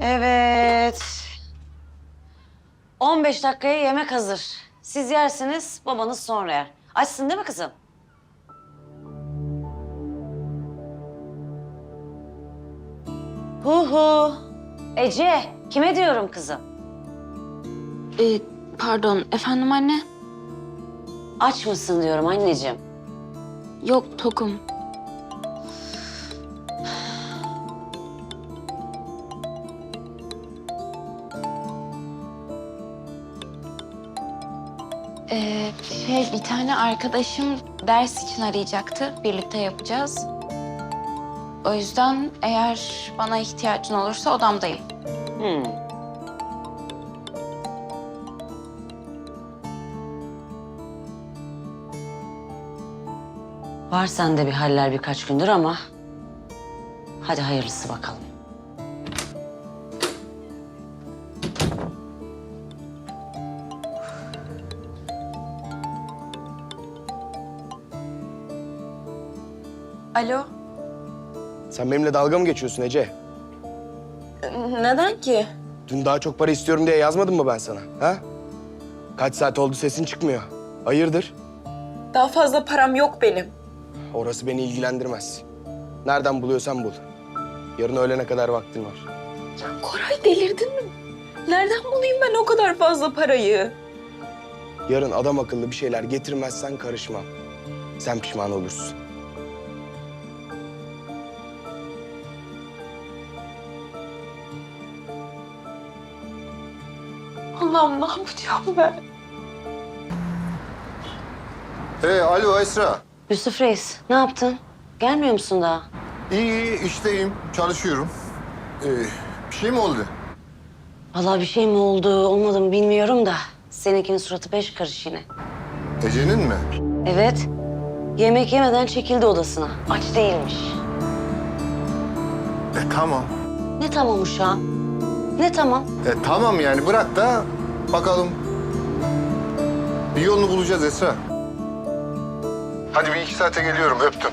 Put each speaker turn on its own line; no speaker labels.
Evet. 15 dakikaya yemek hazır. Siz yersiniz, babanız sonra yer. Açsın değil mi kızım? Hu. Ece, kime diyorum kızım?
Pardon, efendim anne?
Aç mısın diyorum anneciğim.
Yok, tokum. Bir tane arkadaşım ders için arayacaktı. Birlikte yapacağız. O yüzden eğer bana ihtiyacın olursa odamdayım.
Var sende bir haller birkaç gündür ama... Hadi hayırlısı bakalım.
Alo?
Sen benimle dalga mı geçiyorsun Ece?
Neden ki?
Dün daha çok para istiyorum diye yazmadım mı ben sana? Ha? Kaç saat oldu sesin çıkmıyor. Hayırdır?
Daha fazla param yok benim.
Orası beni ilgilendirmez. Nereden buluyorsan bul. Yarın öğlene kadar vaktin var.
Koray delirdin mi? Nereden bulayım ben o kadar fazla parayı?
Yarın adam akıllı bir şeyler getirmezsen karışmam. Sen pişman olursun.
Allah'ım ne yapacağım ben?
Alo Esra.
Yusuf Reis, ne yaptın? Gelmiyor musun daha?
İyi, işteyim, çalışıyorum. Bir şey mi oldu?
Vallahi bir şey mi oldu, olmadı mı bilmiyorum da... Seninkinin suratı beş karış yine.
Ece'nin mi?
Evet, yemek yemeden çekildi odasına. Aç değilmiş.
Tamam.
Ne tamam uşağım? Ne tamam?
Tamam yani bırak da bakalım. Bir yolunu bulacağız Esra. Hadi bir 2 saate geliyorum, öptüm.